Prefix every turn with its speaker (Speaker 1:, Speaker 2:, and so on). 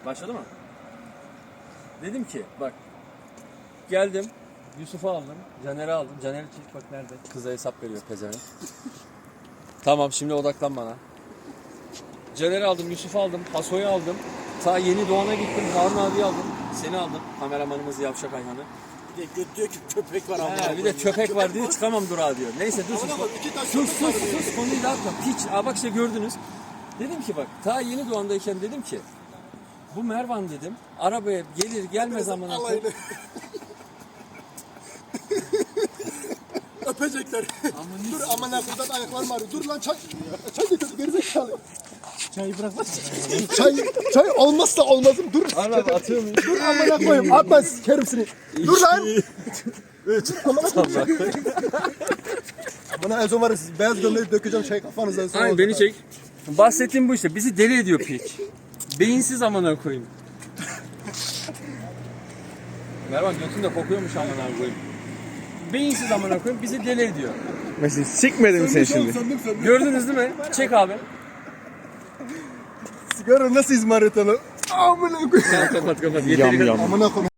Speaker 1: Başladı mı? Dedim ki bak geldim Yusuf'u aldım, Caner'i aldım. Caner'i çek bak nerede? Kıza hesap veriyor pezevenk. Tamam şimdi odaklan bana. Caner'i aldım, Yusuf'u aldım, Haso'yu aldım. Ta yeni Doğan'a gittim, Harun abiyi aldım. Seni aldım, kameramanımız Yavşak Ayhan'ı.
Speaker 2: Bir de göt diyor ki köpek var ama.
Speaker 1: Bir de köpek var diyor, çıkamam durağa diyor. Neyse dur sus konuyu dağıtma. Piç, bak işte gördünüz. Dedim ki bak, ta yeni Doğan'dayken dedim ki bu Mervan dedim, arabaya gelir gelmez amına koyayım.
Speaker 2: Öpecekler. Dur aman buradan ayaklarım ağrıyor. Dur lan çay. Çay getir gerizekalı. Çayı bırakmaz. çay olmazsa olmazım. Dur.
Speaker 1: Abi atıyor muyum?
Speaker 2: Dur amına koyayım. Atma sikerim seni. Dur lan. Bana en son var ya siz beyaz gömleği dökeceğim şey kafanızdan sonra.
Speaker 1: Aynen beni çek. Bahsettiğim bu işte. Bizi deli ediyor piç. Beyinsiz amına koyayım. Mervan götünde kokuyormuş amına koyayım. Beyinsiz amına koyayım bizi deli ediyor.
Speaker 3: Mesela sikmedin mi sen şimdi?
Speaker 2: Söndüm.
Speaker 1: Gördünüz değil mi? Çek abi.
Speaker 2: Sigara nasıl izmarit onu? Amına koyayım.
Speaker 1: Kapat.
Speaker 3: Yam yam.
Speaker 2: Amına koyayım.